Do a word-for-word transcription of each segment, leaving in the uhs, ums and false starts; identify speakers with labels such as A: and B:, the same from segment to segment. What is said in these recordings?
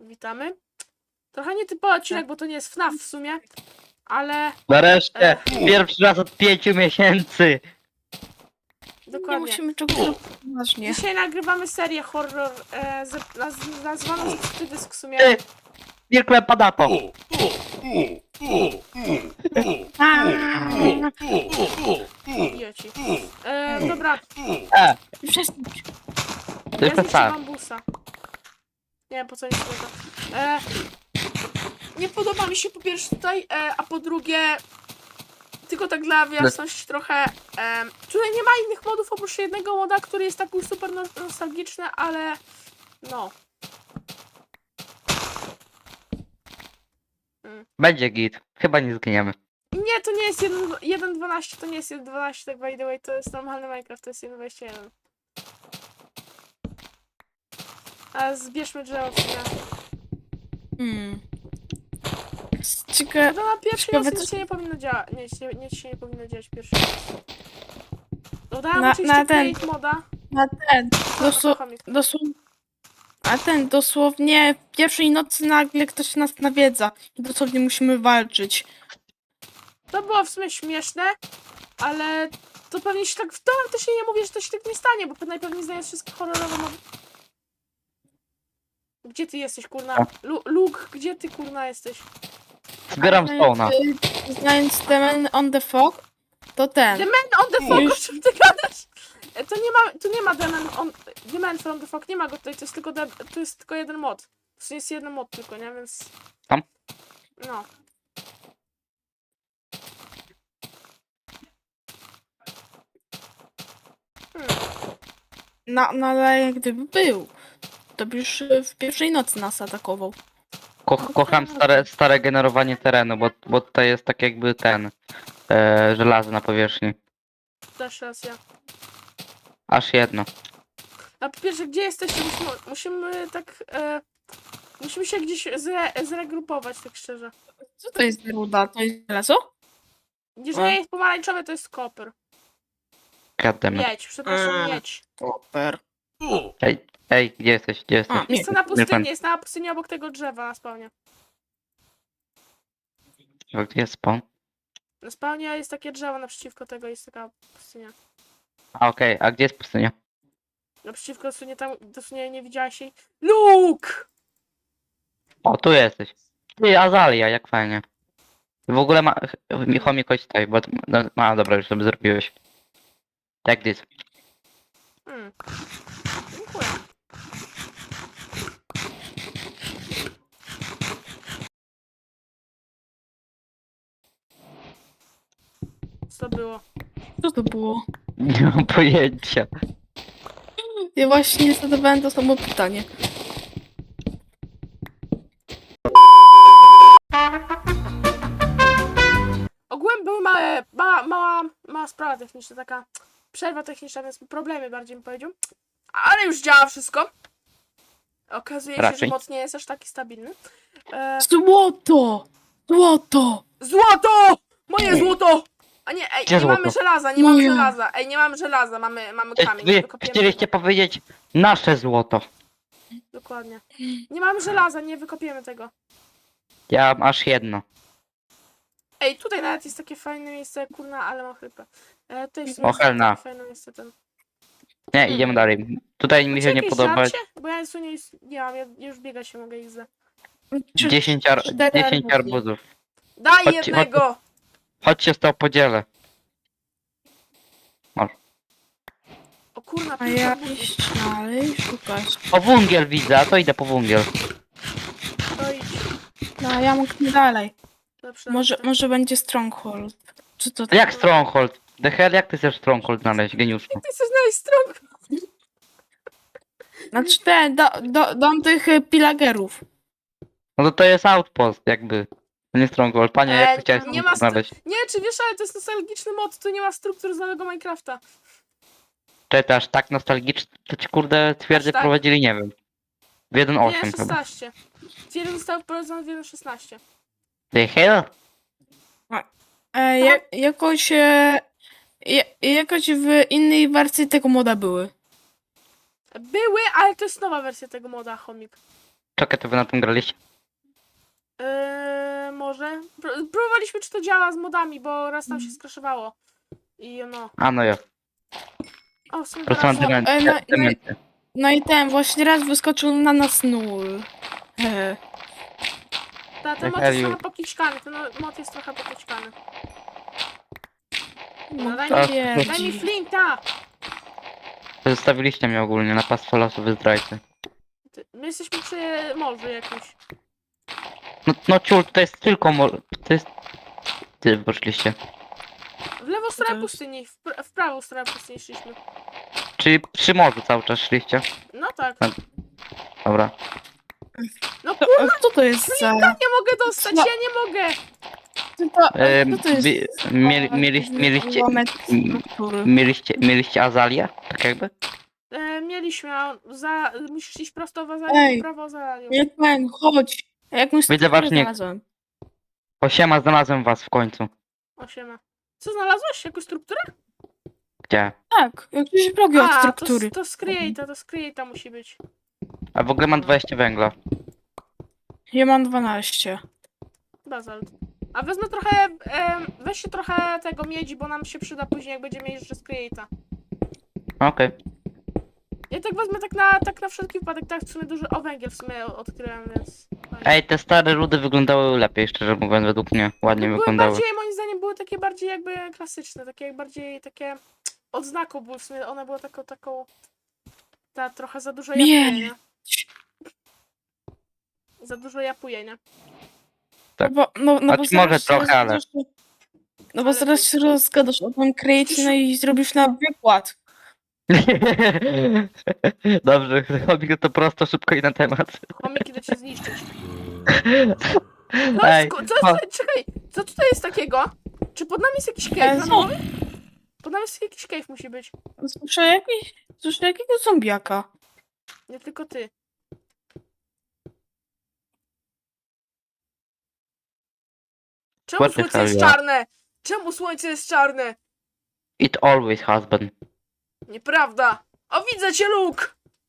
A: Witamy. Trochę nietypowy odcinek, bo to nie jest F N A F w sumie, ale
B: Nareszcie!
A: Ech.
B: Pierwszy raz od pięciu miesięcy!
C: Nie
A: dokładnie.
C: musimy czegoś zrobić poważnie.
A: Dzisiaj nagrywamy serię horror e, z, naz, nazwaną Zepsuty dysk w sumie.
B: Ty! Wilkle padato!
A: Idioci. E, dobra,
B: E!
C: Przestań.
B: To jest
A: ja
B: ten sam.
A: bambusa. Nie wiem po co nie słyszę. E, nie podoba mi się po pierwsze tutaj, e, a po drugie tylko tak dla jasności trochę. E, tutaj nie ma innych modów oprócz jednego moda, który jest taki super no- nostalgiczny, ale no.
B: Będzie git. Chyba nie zginiemy.
A: Nie, to nie jest jeden dwanaście, to nie jest jeden dwanaście, tak by the way, to jest normalny Minecraft, to jest jeden dwadzieścia jeden. A zbierzmy drzewo w sumie.
C: Hmm.
A: No
C: Ciekawe.
A: to na pierwszej
C: Ciekawe,
A: nocy
C: co-
A: nic się nie powinno dziać, nic, nie, nic się nie powinno dziać pierwszy. Dodałem
C: Na-
A: oczywiście
C: na ten-
A: create moda.
C: Na ten. Dosł
A: Chomik.
C: dosłownie. A ten dosłownie w pierwszej nocy nagle ktoś nas nawiedza. I dosłownie musimy walczyć.
A: To było w sumie śmieszne, ale to pewnie się tak w to to się nie mówi, że to się tak nie stanie, bo najpewniej znając wszystkie horrorowe mody. Gdzie ty jesteś, kurna? Lu Luke, gdzie ty, kurna, jesteś?
B: Zbieram stone'a.
C: Y, Znając The Man on the Fog, to ten.
A: The Man on the Fog, o
C: Już-
A: czym ty gadasz? E, To nie ma, tu nie ma The Man on... The Man from the Fog, nie ma go tutaj, to jest tylko, de, to jest tylko jeden mod. To jest jeden mod tylko, nie? Więc...
B: Tam?
A: No. Hmm.
C: No, no ale gdyby był, to by już y, w pierwszej nocy nas atakował.
B: Ko kocham stare, stare generowanie terenu, bo, bo to jest tak jakby ten e, żelazo na powierzchni.
A: Też raz ja.
B: Aż jedno.
A: A po pierwsze, gdzie jesteście? Musimy, musimy tak... E, musimy się gdzieś zre, zregrupować, tak szczerze.
C: Co to jest ruda? To jest żelazo?
A: Jeżeli jest pomarańczowe, to jest koper.
B: Goddammit.
A: Miedź, przepraszam,
C: Mm.
A: miedź.
C: Super.
B: Ej, ej, gdzie jesteś? Gdzie jesteś?
C: A,
A: Jest to na
B: Wilkman,
A: pustyni, jest na pustyni obok tego drzewa na spawnie.
B: gdzie jest spawn?
A: Na spawnie jest takie drzewo, naprzeciwko tego jest taka pustynia.
B: A okej, a gdzie jest pustynia?
A: Naprzeciwko dosłownie tam, dosłownie nie widziałaś jej. Luke!
B: O, tu jesteś. Ty, Azalia, jak fajnie. W ogóle ma... Chomik, chodź tutaj, bo... No, no dobra, już sobie zrobiłeś. Tak, this.
A: Hmm. Dziękuję. Co to było?
C: Co to było?
B: Nie mam pojęcia.
C: Ja właśnie zadawałem to samo pytanie.
A: Ogółem były małe, mała, mała, mała sprawa techniczna, taka przerwa techniczna, więc problemy bardziej bym powiedział. Ale już działa wszystko. Okazuje się, że
B: Raczej.
A: moc nie jest aż taki stabilny. E,
C: Złoto! Złoto!
A: złoto! Moje złoto! A nie, ej,
B: Gdzie
A: nie
B: złoto?
A: mamy żelaza, nie mamy
C: Moje.
A: żelaza. Ej, nie mamy żelaza, mamy, mamy
B: Chci-
A: kamień.
B: Wy
A: wykopiemy
B: chcieliście
A: tego.
B: powiedzieć nasze złoto.
A: Dokładnie. Nie mamy żelaza, nie wykopiemy tego.
B: Ja mam aż jedno.
A: Ej, tutaj nawet jest takie fajne miejsce, kurna, ale mam chrypę. E, tutaj w sumie
B: O,
A: jest takie
B: helna.
A: fajne miejsce ten.
B: Nie, idziemy dalej. Tutaj mi
A: Macie
B: się nie
A: jakieś
B: podoba.
A: żarcie? Bo ja nic tu nie, nie mam, ja już biegać się mogę ich za.
B: dziesięć, ar
C: Cztery
B: dziesięć
C: arbuzki.
B: arbuzów.
A: Daj
B: Chodźcie,
A: jednego!
B: Chodźcie z to podzielę.
A: O kurna,
C: A
A: pięć
C: ja
A: arbuzów.
C: iść dalej szukać.
B: O, wungiel widzę, a to idę po wungiel.
A: To idź.
C: No, ja mogę dalej.
A: Lepsze
C: Może,
A: lepsze.
C: może będzie Stronghold. Czy to
B: Jak Stronghold? The hell, jak ty chcesz Stronghold znaleźć, geniuszu?
A: Ty chcesz znaleźć stronę?
C: Znaczy te, do, do, dom tych y, pilagerów.
B: No to to jest outpost, jakby. To nie Stronghold. Panie, jak
A: E,
B: ty chciałeś
A: nie
B: nie
A: ma st-
B: znaleźć?
A: Nie, czy wiesz, ale to jest nostalgiczny mod, tu nie ma struktur z nowego Minecrafta.
B: Czy to aż tak nostalgicznie, to ci kurde twierdzę
A: Aż tak?
B: prowadzili, nie wiem. W jeden
A: Nie,
B: osiem chyba.
A: szesnaście. Jeden został wprowadzony w jeden szesnaście.
B: The hell?
C: E, ja, jakoś, e, ja, jakoś w innej wersji tego moda były.
A: Były, ale to jest nowa wersja tego moda, chomik.
B: TikToka, to wy na tym graliście?
A: Eee, może. Pró- Próbowaliśmy, czy to działa z modami, bo raz tam się skraszowało. I no.
B: A no ja.
A: O, w sumie
B: Po prostu mam
A: teraz...
C: No, e, no,
B: demencję.
C: no,
B: demencję.
C: no i ten właśnie raz wyskoczył na nas nul. E,
A: Ta, ten
B: Jak
A: mod jest
B: Eliu.
A: trochę pokiczkany, ten mod jest trochę pokiczkany.
C: no
A: daj
C: to
B: mi-
C: wiedzi.
A: Daj mi flinta!
B: Zostawiliście mnie ogólnie na pastwę losu, wy zdrajcy.
A: Ty- My jesteśmy przy morzu jakimś.
B: No, no ciul, to jest tylko mo... To jest... Ty poszliście.
A: W lewą stronę
C: jest?
A: pustyni, w, pr- w prawą stronę pustyni szliśmy.
B: Czyli przy morzu cały czas szliście?
A: No tak.
B: Dobra.
A: No
C: To,
A: kurwa,
C: a co to jest za...
A: nie mogę dostać,
C: Co?
A: ja nie mogę!
C: Co to,
B: E,
C: co to jest
B: wy,
C: za-
B: mieli, mieliście, mieliście,
C: ułamek struktury?
B: mieliście, mieliście Azalię? Tak jakby?
A: E, mieliśmy, a za, musisz iść prosto w Azalię,
C: Ej,
A: prawo Azalię.
C: Nie ten, chodź. A jakąś
B: Widzę
C: strukturę
B: ważnik.
C: znalazłem.
B: Osiema, znalazłem was w końcu.
A: Osiema. Co znalazłeś? Jakąś strukturę?
B: Gdzie?
C: Tak, jakieś blogi od
A: A, to,
C: struktury.
A: s- to z Create'a, to z Create'a musi być.
B: A w ogóle mam dwadzieścia węgla.
C: Ja mam dwanaście.
A: Bazalt. A wezmę trochę, em, weźcie trochę tego miedzi, bo nam się przyda później, jak będziemy jeździć z Create'a.
B: Okej.
A: Ja tak wezmę tak na, tak na wszelki wypadek, tak w sumie duży, o węgiel w sumie odkryłem, więc... fajnie.
B: Ej, te stare rudy wyglądały lepiej, szczerze mówiąc, według mnie. Ładnie
A: były
B: wyglądały.
A: bardziej, moim zdaniem, były takie bardziej jakby klasyczne, takie jak bardziej takie odznaką były w sumie, one były taką, taką, ta trochę za dużo
C: Nie.
A: japuje, nie? Za dużo japuje, nie?
B: Tak.
C: No bo, no, no bo
B: Znaczy, może
C: zaraz się
B: trochę, ale-
C: rozgadasz- No bo
A: Ale
C: zaraz
A: ty-
C: się rozgadasz o tym create, no i zrobisz na wykład.
B: Dobrze, chomik to prosto, szybko i na temat.
A: Chomik idę cię zniszczyć. Co,
B: Ej,
A: jest, ko- co,
B: cho-
A: co, czekaj, co tutaj jest takiego? Czy pod nami jest jakiś
C: E,
A: cave?
C: co?
A: randomowy? Pod nami jest jakiś cave musi być.
C: Słyszę jakiś, słyszę jakiegoś zombiaka.
A: Nie tylko ty. Czemu
B: What the
A: słońce
B: hell,
A: jest
B: ja?
A: czarne? Czemu słońce jest czarne?
B: It always has been.
A: Nieprawda. O, widzę cię, Luke!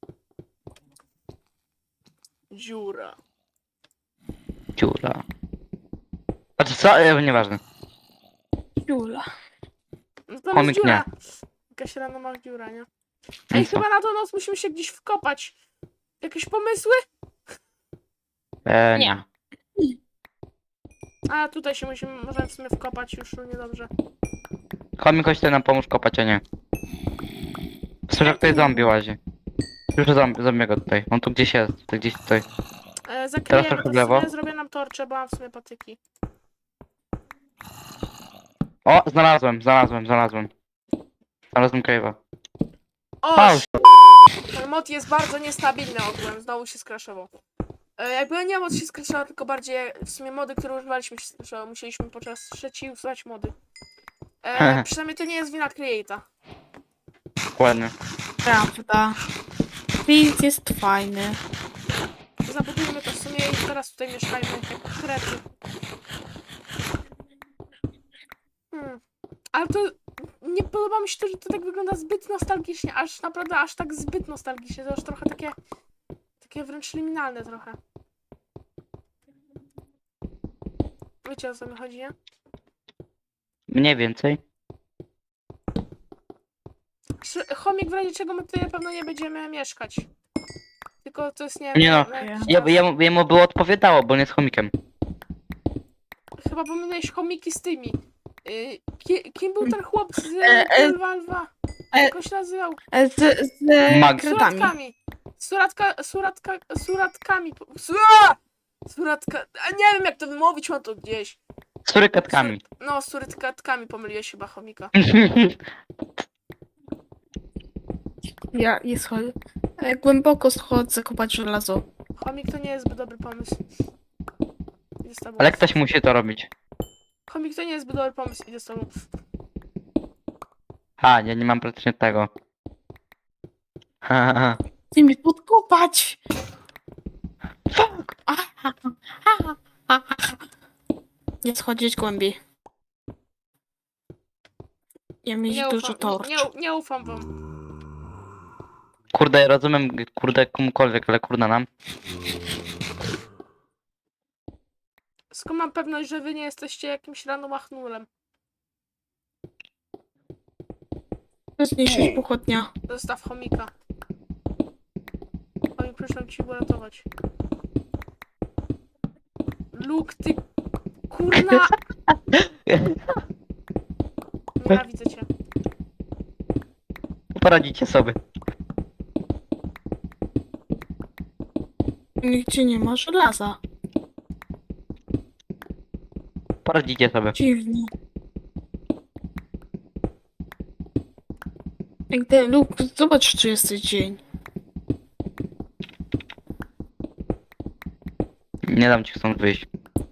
A: Dziura.
B: Dziura. Znaczy co? E, nieważne.
C: Jula.
A: No tam
B: Chomik
A: jest dziura. Jakaś rano masz dziura, nie?
B: No
A: Ej,
B: i co?
A: chyba na tą noc musimy się gdzieś wkopać. Jakieś pomysły?
B: E,
C: Nie.
B: nie.
A: A, tutaj się musimy, możemy w sumie wkopać już, no niedobrze.
B: Chomik, chodź tutaj nam pomóż kopać, a nie. Słyszę, jak tutaj zombie łazi. Słyszę zombie, zombiego tutaj. On tu gdzieś jest, tu gdzieś tutaj.
A: E, zakryjemy
B: trochę
A: to
B: w
A: w
B: lewo.
A: sumie, zrobię nam torcze, bo mam w sumie patyki.
B: O, znalazłem, znalazłem, znalazłem. Znalazłem cave'a.
A: O,
B: Pauz.
A: ten mod jest bardzo niestabilny ogółem, znowu się skraszował. E, jakby nie mod się skraszował, tylko bardziej w sumie mody, które używaliśmy się skraszowały. Musieliśmy podczas trzeciej usuwać mody. E, przynajmniej to nie jest wina Create'a.
C: Prawda.
B: Ładnie.
C: Create jest fajny.
A: Zabudujmy to w sumie i teraz tutaj mieszkajmy jak krety. Hmm. Ale to nie podoba mi się to, że to tak wygląda zbyt nostalgicznie, aż naprawdę aż tak zbyt nostalgicznie, to już trochę takie takie wręcz liminalne trochę. Wiecie, o co mi chodzi, nie?
B: Mniej więcej.
A: Sz- Chomik, w razie czego my tutaj na pewno nie będziemy mieszkać. Tylko to jest, nie
B: Nie no,
A: na jakiś
B: Ja,
A: czas.
B: jemu, jemu było odpowiadało, bo nie jest chomikiem.
A: Chyba pomyliłeś chomiki z tymi. Y, ki, kim był ten chłop z
C: E, e,
A: Lwa Lwa?
C: e,
A: Jak on się nazywał?
C: E, Z, z
B: Mag-
C: kredami.
A: Suratkami. Suratka, suratka, suratkami. po- Sura! Suratka. A nie wiem jak to wymówić, mam to gdzieś.
B: Z surykatkami.
A: Sur- No, z suratkami pomyliłeś chyba chomika.
C: Ja je schodzę. E, Głęboko schodzę kopać żelazo.
A: Chomik to nie jest zbyt dobry pomysł. Idę z tobą.
B: Ale ktoś musi to robić.
A: Chomik to nie jest zbyt dobry pomysł, idę z tobą.
B: Ha, ja nie mam praktycznie tego. Ha, ha, ha.
C: Chcę mi podkopać!
B: Fuck!
C: Nie schodzić głębiej. Ja mieć
A: Nie
C: dużo
A: ufam,
C: torcz.
A: nie, nie, nie ufam wam.
B: Kurde, rozumiem, kurde, komukolwiek, ale kurde nam.
A: skąd mam pewność, że wy nie jesteście jakimś random achnulem?
C: Zniszczyć pochodnia.
A: Zostaw chomika. Chomik, przyszłam ci uratować. Luke, ty... Kurna! Nienawidzę cię.
B: Poradzicie sobie.
C: Nigdzie nie ma żelaza.
B: Poradzicie sobie.
C: Dziwnie. Ej, ty, Luke, zobacz, czy jesteś dzień.
B: Nie dam ci stąd wyjść.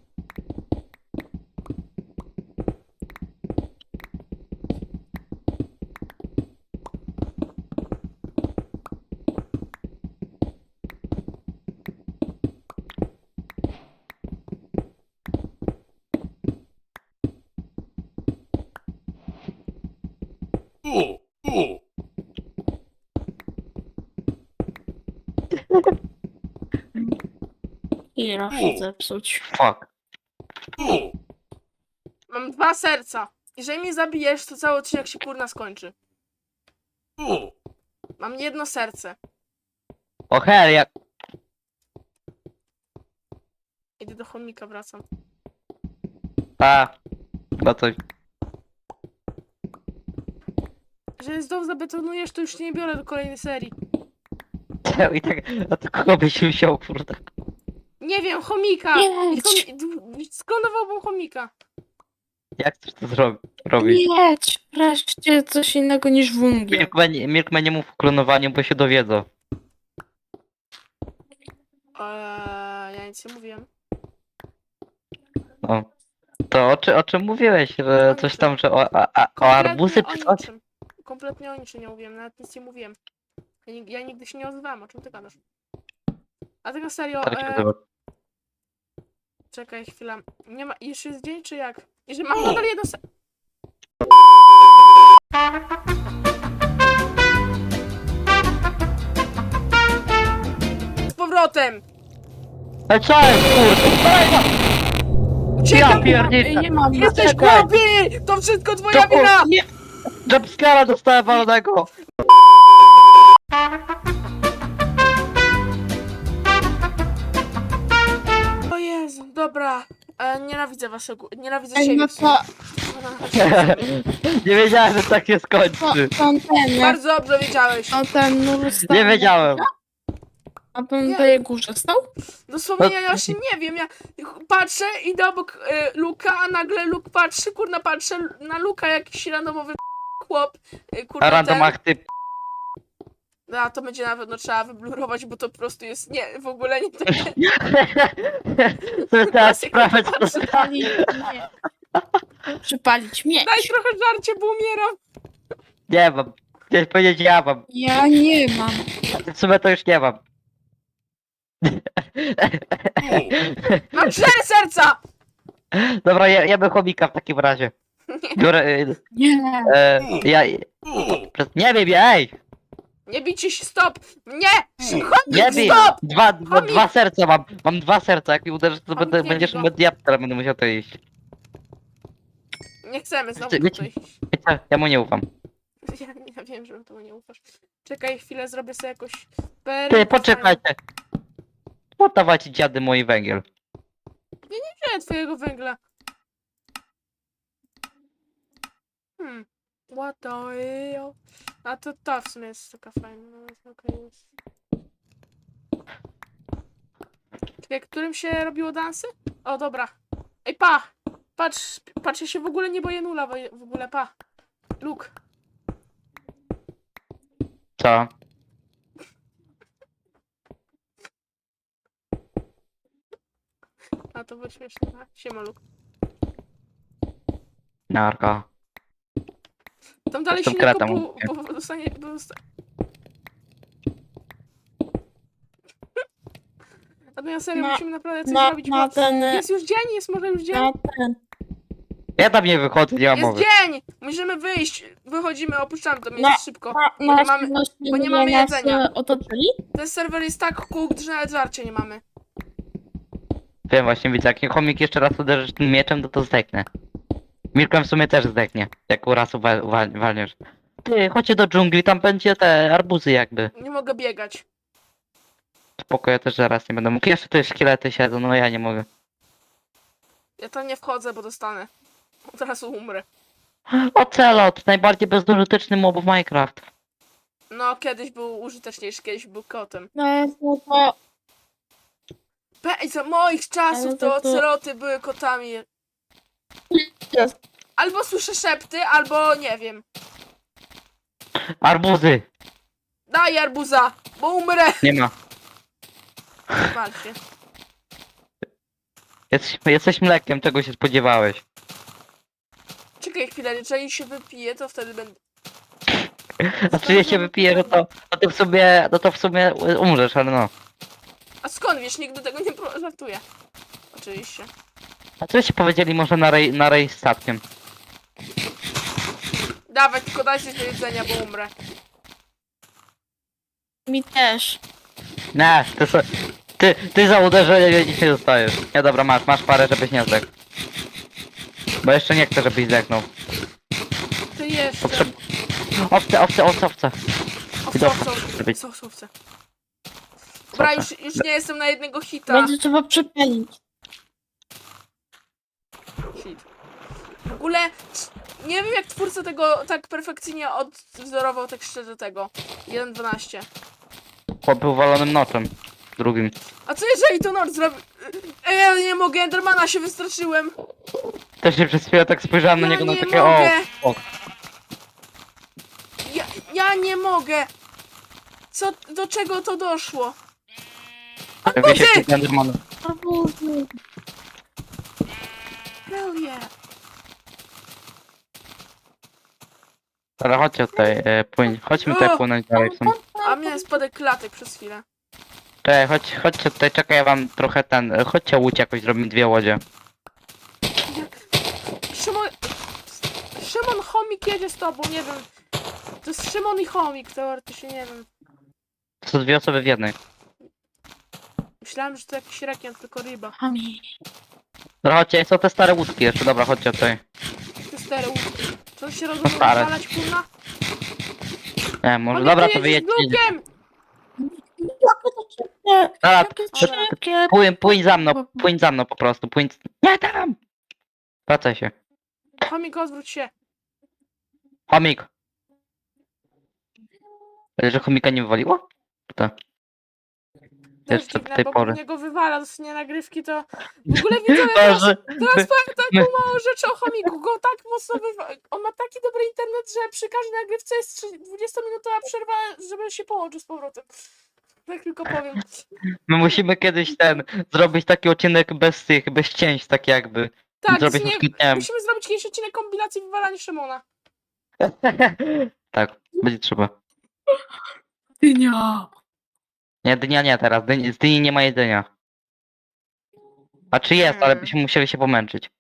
C: I raz się zepsuć.
B: Fuck.
A: Mam dwa serca. Jeżeli mnie zabijesz, to cały odcinek się kurna skończy. Mam jedno serce.
B: O hell, jak...
A: Idę do chomika, wracam.
B: A. Chyba coś.
A: Jeżeli znowu zabetonujesz, to już nie biorę do kolejnej serii.
B: I tak... A to kogo byś wziął, kurde?
A: Nie wiem, chomika!
C: Jedź.
A: Chomi... d- Sklonowałbym chomika.
B: Jak chcesz to zrobi robić?
C: Jedź, wreszcie coś innego niż wungiel.
B: Milkman, Milkman nie mów o klonowaniu, bo się dowiedzą.
A: Eee, ja nic nie mówiłem.
B: No. To o, czy, o czym mówiłeś? Że coś tam, że o, a, a, o arbuzy czy
A: o
B: coś?
A: niczym. Kompletnie o niczym nie mówiłem, nawet nic nie mówiłem. Ja, nig- ja nigdy się nie odzywałem, o czym ty gadasz? A tak na serio,
B: Tak się
A: e,
B: nazywa.
A: czekaj chwilę. Nie ma, jeszcze jest dzień czy jak? I że mam nadal jedno se... Z powrotem!
B: Ale co jest, kurde? Ja
A: Uciekam!
B: pierdolę!
C: Nie mam.
A: Jesteś
B: czekaj.
A: głupi! To wszystko twoja
B: To-
A: wina!
B: Nie! Jumpscara dostałem walonego!
A: O Jezu, dobra. E, nienawidzę waszego... Nienawidzę
C: Ej,
A: siebie.
C: no
A: w sumie.
C: to,
B: Nie wiedziałem, że tak się
C: to,
B: skończy.
C: to ten, jak
A: Bardzo dobrze wiedziałeś.
C: to ten nur stał.
B: Nie wiedziałem.
C: A ten
A: Nie.
C: na tej górze stał?
A: Dosłownie ja właśnie nie wiem, ja patrzę, idę obok y, Luka, a nagle Luke patrzy, kurna, patrzę na Luka, jakiś randomowy chłop, y, kurna,
B: A random
A: ten,
B: aktyw.
A: a to będzie na pewno trzeba wyblurować, bo to po prostu jest, nie, w ogóle nie to
B: To teraz sprawę, co
C: Przypalić mieć. Przypalić mieć.
A: Daj trochę żarcie, bo umieram.
B: nie mam. Chciałeś powiedzieć, ja mam.
C: Ja nie mam.
B: W sumie to już nie mam.
A: Mam cztery serca!
B: Dobra, ja, ja bym chomika w takim razie. Biorę, y,
C: Nie.
B: e, ja... Nie wiem, ej!
A: Nie bijcie się, stop! Nie!
B: Nie
A: Chomik,
B: bij!
A: stop!
B: Dwa, dwa,
A: Chomik!
B: dwa serca mam. Mam dwa serca, jak mi uderzysz, to
A: Chomik,
B: będę,
A: nie
B: będziesz
A: bij go.
B: mediator, będę musiał to iść.
A: Nie chcemy znowu
B: Wiecie-
A: tutaj.
B: Wiecie, ja mu nie ufam.
A: Ja, ja wiem, że temu nie ufasz. Czekaj chwilę, zrobię sobie jakoś...
B: Ty, poczekajcie. Oddawajcie dziady mój węgiel.
A: Nie twojego węgla. Hmm. What the hell? A to ta w sumie jest taka fajna. No, okej jest. Czekaj, którym się robiło dansy? O, dobra. Ej, pa! Patrz, patrz, ja się w ogóle nie boję nula, bo- w ogóle, pa. Luke.
B: Co?
A: A to było śmieszne. A, siema, Luke.
B: Narka.
A: Tam dalej
B: Jestem
A: silnego,
B: kretą,
A: bo,
B: mówię.
A: bo dostanie... Bo dosta... A no ja serio,
C: Na-
A: musimy naprawdę coś
C: Na,
A: zrobić,
C: na
A: bo...
C: ten.
A: Jest już dzień, jest może już dzień.
C: Na ten.
B: Ja tam nie wychodzę, nie mam
A: Jest
B: mowy.
A: dzień! Musimy wyjść. Wychodzimy, opuszczamy to miejsce
C: Na-
A: szybko.
C: Na,
A: Bo nie
C: na
A: mamy-
C: właśnie
A: bo nie mamy
C: nas,
A: jedzenia.
C: e, otoczyli?
A: Ten serwer jest tak cooked, że nawet żarcia nie mamy.
B: Wiem właśnie, widzę, jak chomik jeszcze raz uderzysz tym mieczem, to to zdechnie. Mirkiem w sumie też zdechnie, jak u razu wal, wal, walniesz. Ty, chodźcie do dżungli, tam będzie te arbuzy jakby.
A: Nie mogę biegać.
B: Spoko, ja też zaraz nie będę mógł. Jeszcze tu szkielety siedzą, no ja nie mogę.
A: Ja tam nie wchodzę, bo dostanę. Od razu umrę.
B: Ocelot, najbardziej bezużyteczny mob w Minecraft.
A: No, kiedyś był użyteczniejszy, kiedyś był kotem.
C: No, no to...
A: Pe- za moich czasów
C: Ale
A: to
C: to- to-
A: oceloty były kotami.
C: Jest.
A: Albo słyszę szepty, albo nie wiem.
B: Arbuzy!
A: Daj arbuza, bo umrę.
B: Nie ma.
A: Wal się.
B: Jesteś, jesteś mlekiem, czego się spodziewałeś.
A: Czekaj chwilę, jeżeli się wypije, to wtedy będę...
B: A czy je się wypije, no to, no to w sumie, no to w sumie umrzesz, ale no.
A: A skąd wiesz, nigdy tego nie pro- żartuję. Oczywiście.
B: A co ci powiedzieli może na rej, na rej z statkiem?
A: Dawaj, tylko daj coś do jedzenia, bo umrę.
C: Mi też.
B: Nie, ty, so, ty, ty za uderzenie nic nie dostajesz. Nie, dobra, masz, masz parę, żebyś nie zdechł. Bo jeszcze nie chcę, żebyś zdechnął.
A: Ty jeszcze.
B: Potrzeb... Owce, owce, owce, owce.
A: Owce,
B: Dobrze,
A: owce, owce.
B: żeby-
A: Owce, owce, owce. Dobra, już, już nie jestem na jednego hita.
C: Będzie trzeba przepalić.
A: Hit. W ogóle nie wiem jak twórca tego tak perfekcyjnie odwzorował tekście do tego. jeden dwanaście.
B: Chłop był walonym noczem. Drugim.
A: A co jeżeli to Nord zrobi? Ej, ja nie mogę, Endermana się wystraszyłem.
B: Też się przez chwilę tak spojrzałem na
A: Ja
B: niego na
A: nie
B: takie o,
A: mogę.
B: o.
A: Ja, ja nie mogę. Co, do czego to doszło?
B: Wie się z Endermanem.
A: Hell yeah.
B: Ale chodźcie tutaj, e, płyń, chodźmy tutaj płynąć dalej. w sumie.
A: A miałem spadek klatek przez chwilę.
B: Czekaj, chodź, chodźcie tutaj, czekaj, ja wam trochę ten, e, chodźcie łódź jakoś, zrobimy dwie łodzie.
A: Szymon... Szymon Chomik jedzie z tobą, nie wiem. To jest Szymon i Chomik, teoretycznie, nie wiem.
B: To są dwie osoby w jednej.
A: Myślałem, że to jakiś rekin, tylko ryba.
C: Ami.
B: Dobra, chodźcie, są te stare łódki jeszcze, dobra, chodźcie tutaj.
A: Te stare łódki. Czy on się rozumie
B: stare.
A: rozwalać, kurna?
B: Nie, może,
A: On
B: dobra,
A: nie
B: to
A: jedzie z
B: wyjedźcie.
A: Lukiem!
C: Jakie to szybkie.
B: Dobra,
C: Jakie to
B: to-
C: szybkie.
B: płyń, płyń za mną, płyń za mną po prostu, płyń. Nie tam! Wracaj się.
A: Chomik, odwróć się.
B: Chomik! Ale że chomika nie wywaliło? To.
A: To
B: Jeszcze
A: jest
B: do
A: dziwne,
B: tej
A: bo
B: pory.
A: niego wywala, dostanie nagrywki, to... W ogóle widzowie,
B: To,
A: teraz,
B: że-
A: teraz
B: my-
A: powiem taką
B: my-
A: małą rzecz o chomiku. Go tak mocno wywala... On ma taki dobry internet, że przy każdej nagrywce jest dwudziestominutowa przerwa, żeby się połączył z powrotem. Tak tylko powiem.
B: My musimy kiedyś ten, zrobić taki odcinek bez tych, bez cięć, tak jakby.
A: Tak,
B: Zrobić
A: z nie...
B: na przykład, nie wiem.
A: musimy zrobić kiedyś odcinek kompilacji wywalania Szymona.
B: Tak, będzie trzeba.
C: Dynia.
B: Nie, dnia nie teraz, dyni, z dyni nie ma jedzenia. A czy jest, ale
A: Mm.
B: byśmy musieli się pomęczyć.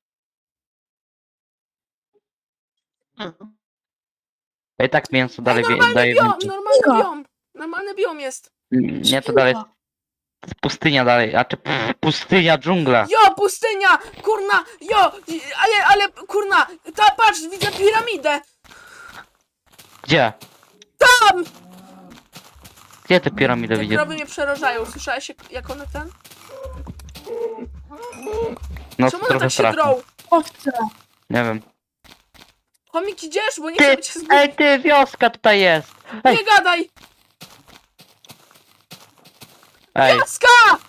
B: A i tak mięso dalej wie,
A: Normalny
B: daje
A: biom,
B: więcej.
A: normalny
C: Biga.
A: biom. Normalny biom jest.
B: Nie, to dalej jest, to jest pustynia dalej, a czy pff, pustynia, dżungla.
A: Jo, pustynia! Kurna! Jo! Ale, ale, kurna! Ta, patrz, widzę piramidę!
B: Gdzie?
A: Tam!
B: Gdzie te piramidy
A: Te
B: widzisz?
A: krowy mnie przerażają. Słyszałeś jak, jak one ten?
B: No
A: Czemu one
B: trochę
A: tak się
B: straszne.
A: drą?
C: Owce.
B: Nie wiem.
A: Chomik, idziesz? Bo nie
B: Ty,
A: chcę być zgubić.
B: ej ty, wioska tutaj jest. Ej,
A: Nie gadaj!
B: ej,
A: Jaska!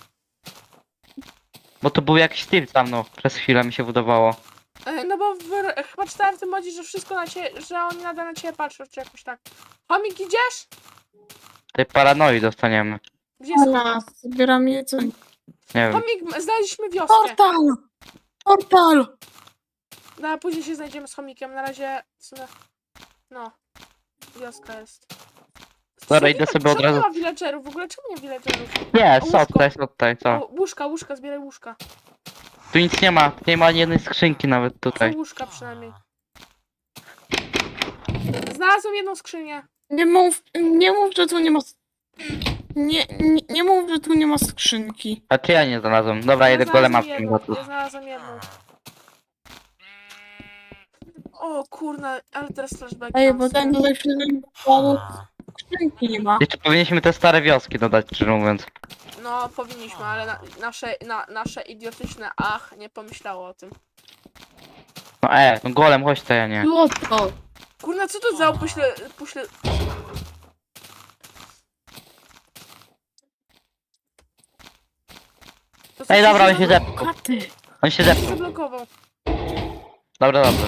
B: bo to był jakiś typ za mną, przez chwilę mi się wydawało.
A: E, No bo w, chyba czytałem w tym modzie, że wszystko na ciebie, że oni nadal na ciebie patrzą, czy jakoś tak. Chomik, idziesz?
B: Tej paranoi dostaniemy.
A: Gdzie jest?
C: Ona, zbieram jedzenie.
B: Nie wiem.
A: Chomik, znaleźliśmy wioskę.
C: Portal! Portal!
A: No, a później się znajdziemy z chomikiem. Na razie w sumie... No. Wioska jest.
B: Dobra,
A: Czemu
B: idę
A: nie-
B: sobie od
A: czemu nie
B: razu.
A: ma villagerów? W ogóle czemu nie villagerów?
B: Nie,
A: łóżko.
B: są tutaj, są tutaj,
A: O,
B: co?
A: łóżka, łóżka, zbieraj łóżka.
B: Tu nic nie ma, nie ma ani jednej skrzynki nawet
A: Są
B: tutaj.
A: łóżka przynajmniej. Znalazłem jedną skrzynię.
C: Nie mów, nie mów, że tu nie ma... Nie, nie, nie mów, że tu nie ma skrzynki.
B: A czy ja nie znalazłem? Dobra,
A: Ja
B: jedę
A: znalazłem
B: golema w tym
A: jedną,
B: gotu.
A: ja znalazłem jedną. O kurna, ale teraz flashback.
C: Ej, bo ten tutaj wszystko skrzynki nie ma.
B: Jeszcze powinniśmy te stare wioski dodać, szczerze mówiąc.
A: No, powinniśmy, ale na, nasze, na, nasze idiotyczne ach nie pomyślało o tym.
B: No e, no golem, chodź to ja nie.
C: Złoto.
A: Kurna, co to za opuśle... Puśle... To co
B: Ej,
A: się
B: dobra, on się
A: zablo-
B: zepsuł.
C: Katy.
B: On się zepsuł.
A: zablokował.
B: Dobra, dobra.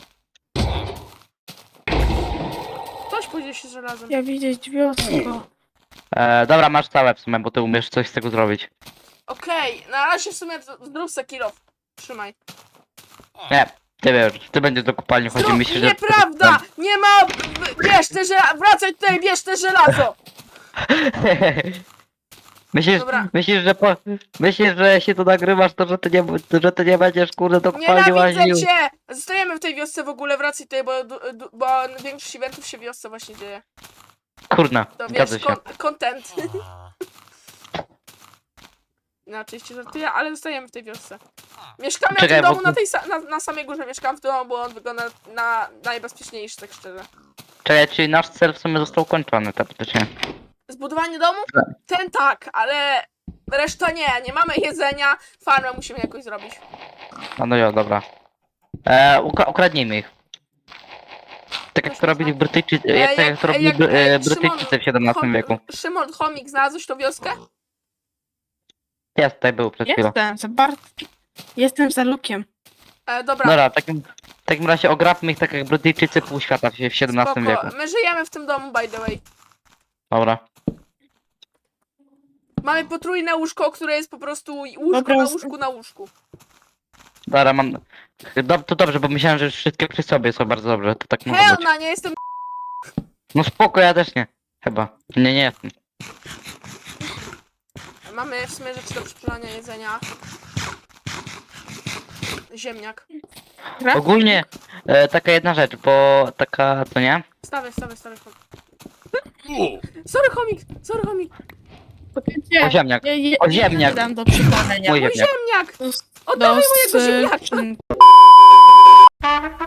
A: Ktoś podzieli się żelazem.
C: Ja widzieć wiosło.
B: E, dobra, masz całe w sumie, bo ty umiesz coś z tego zrobić.
A: Okej, na razie w sumie z- zrób se kill off. Trzymaj.
B: Nie, ty wiesz, ty będziesz do kopalni chodził,
A: Zrób,
B: myślisz, że...
A: nieprawda! Nie ma... b- Bierz te żelazo! Wracaj tutaj, bierz te żelazo!
B: Myślisz,
A: Dobra.
B: myślisz, że po... Myślisz, że jeśli to nagrywasz, to że ty nie, że ty nie będziesz kurde do kopalni łaził.
A: Nienawidzę cię! Zostajemy w tej wiosce w ogóle, wracaj tutaj, bo, du- du- bo większość eventów się w wiosce właśnie dzieje.
B: Kurna,
A: To
B: zgadza
A: wiesz,
B: się.
A: kon- content. No oczywiście żartuję, ale zostajemy w tej wiosce. Mieszkamy
B: Czekaj,
A: na tym
B: bo-
A: domu na, tej sa- na, na samej górze, mieszkam w domu, bo on wygląda na najbezpieczniejszy, tak szczerze.
B: Czekaj, czyli nasz cel w sumie został ukończony, teoretycznie.
A: Zbudowanie domu?
B: Tak.
A: Ten tak, ale reszta nie. Nie mamy jedzenia, farmę musimy jakoś zrobić.
B: No no jo, dobra. E, ukra ukradnijmy ich. Tak jak to robili Brytyjczycy,
A: E,
B: jak, tak
A: jak-
B: jak to robili
A: jak-
B: Bry- e,
A: e,
B: Brytyjczycy
A: Szymon,
B: w siedemnastym
A: Chom-
B: wieku.
A: Szymon, chomik, znalazłeś tą wioskę?
B: Jest, tutaj był przed chwilą.
C: Jestem, za bardzo. Jestem za lukiem.
A: E, dobra,
B: Dobra, w takim, w takim razie ograbmy ich tak jak Brytyjczycy pół świata w w siedemnastym
A: spoko.
B: wieku.
A: My żyjemy w tym domu, by the way.
B: Dobra.
A: Mamy potrójne łóżko, które jest po prostu łóżko
C: Dobra,
A: na
C: z-
A: łóżku na łóżku.
B: Dobra, mam... Do, to dobrze, bo myślałem, że już wszystkie przy sobie są bardzo dobrze, to tak może
A: Hell
B: być.
A: na, nie jestem...
B: No spoko, ja też nie. Chyba. Nie, nie jestem.
A: Mamy w sumie rzeczy do przeczytania jedzenia. Ziemniak.
C: Gra?
B: Ogólnie, e, taka jedna rzecz, bo taka, to nie?
A: Stawaj, stawaj, stawaj. chomik. Sorry, chomik, sorry, chomik.
C: Gdzie?
B: O ziemniak.
C: Ja, ja,
B: O ziemniak.
C: Nie dam do przypalenia.
B: Mój
A: Mój
B: ziemniak.
A: ziemniak!
C: Do,
A: Oddawaj
C: do
A: mojego ziemniaka!
C: skrzynki.